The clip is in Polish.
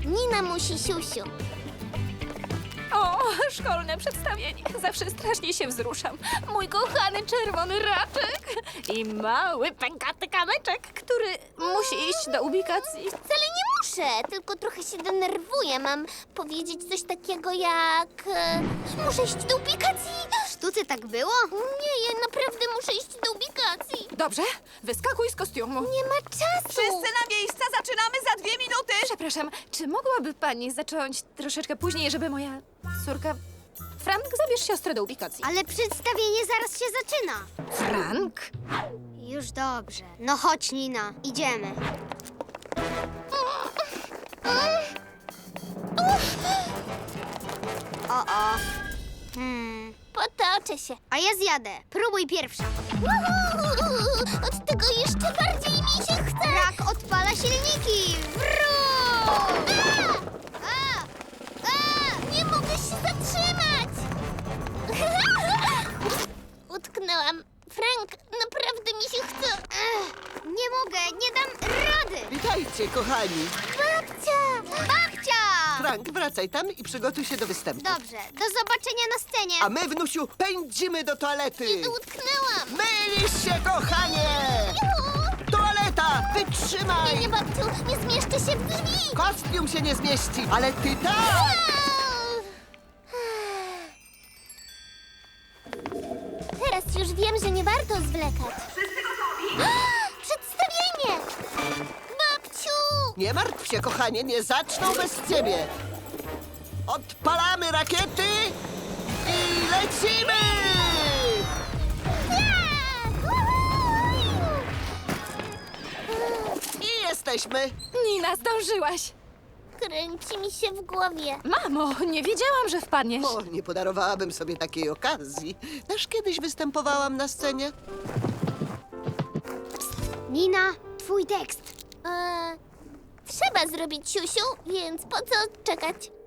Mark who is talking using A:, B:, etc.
A: Nina musi siusiu.
B: O, szkolne przedstawienie. Zawsze strasznie się wzruszam. Mój kochany czerwony raczek i mały pękaty kamyczek, który musi iść do ubikacji.
A: Wcale nie muszę, tylko trochę się denerwuję. Mam powiedzieć coś takiego jak... muszę iść do ubikacji. W sztuce tak było? Nie, ja naprawdę muszę iść do ubikacji.
B: Dobrze, wyskakuj z kostiumu.
A: Nie ma czasu.
C: Wszyscy na miejsca, zaczynamy za 2 minuty!
B: Przepraszam, czy mogłaby pani zacząć troszeczkę później, żeby moja córka... Frank, zabierz siostrę do ubikacji.
A: Ale przedstawienie zaraz się zaczyna.
B: Frank?
A: Już dobrze. No chodź, Nina, idziemy. O. Potoczę się. A ja zjadę. Próbuj pierwsza. Od tego jeszcze bardziej mi się chce. Brak odpala silniki. Nie mogę się zatrzymać. Utknęłam. Frank, naprawdę mi się chce. Nie mogę, nie dam rady.
D: Witajcie, kochani.
A: Babcia! Babcia!
D: Frank, wracaj tam i przygotuj się do występu.
A: Dobrze, do zobaczenia na scenie.
D: A my, wnusiu, pędzimy do toalety.
A: Utknęłam.
D: Mylisz się, kochanie! Toaleta, wytrzymaj!
A: Nie, babciu, nie zmieszczę się w drzwi.
D: Kostium się nie zmieści, ale ty tak!
A: Teraz już wiem, że nie warto zwlekać.
C: Wszyscy gotowi?
A: Przedstawienie! Babciu!
D: Nie martw się, kochanie, nie zaczną bez ciebie. Odpalamy rakiety i lecimy! I jesteśmy.
B: Nina, zdążyłaś.
A: Kręci mi się w głowie.
B: Mamo, nie wiedziałam, że wpadniesz.
D: O, nie podarowałabym sobie takiej okazji. Też kiedyś występowałam na scenie.
A: Nina, twój tekst. Trzeba zrobić siusiu, więc po co czekać?